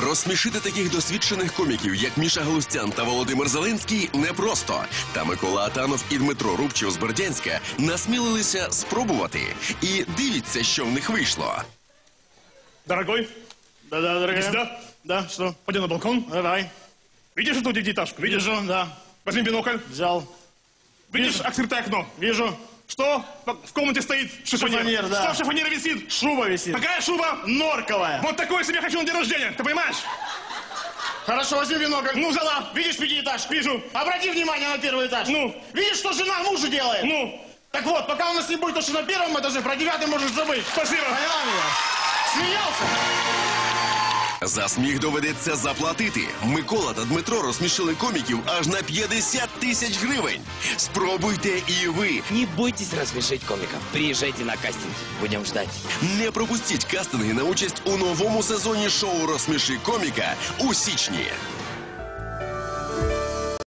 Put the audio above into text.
Розсмішити таких досвідчених коміків, як Міша Галустян та Володимир Зеленський, непросто. Та Микола Атанов і Дмитро Рубчев з Бердянська насмілилися спробувати. І дивіться, що в них вийшло. Дорогой? Да, дорогая. Сюда? Да, что? Пойдем на балкон. Давай. Видишь эту девятиэтажку? Видишь? Вижу, да. Возьми бинокль. Взял. Видишь открытое окно? Вижу. Что в комнате стоит? Шифонер. Шифонер, да. Что в шифонере висит? Шуба висит. Какая шуба? Норковая. Вот такой себе хочу на день рождения, ты понимаешь? Хорошо, возьми бинокль. Ну, взяла. Видишь пятиэтажку? Вижу. Обрати внимание на первый этаж. Ну? Видишь, что жена мужу делает? Ну? Так вот, пока у нас не будет то, что на первом этаже, про 9-й можешь забыть. Спасибо. Поняла меня? Смеялся? За сміх доведеться заплатити. Микола та Дмитро розсмішили коміків аж на 50 тисяч гривень. Спробуйте і ви. Не бойтесь рассмешить комиков. Приезжайте на кастинг. Будем ждать. Не пропустіть кастинги на участь у новому сезоні шоу «Розсміши коміка» у січні.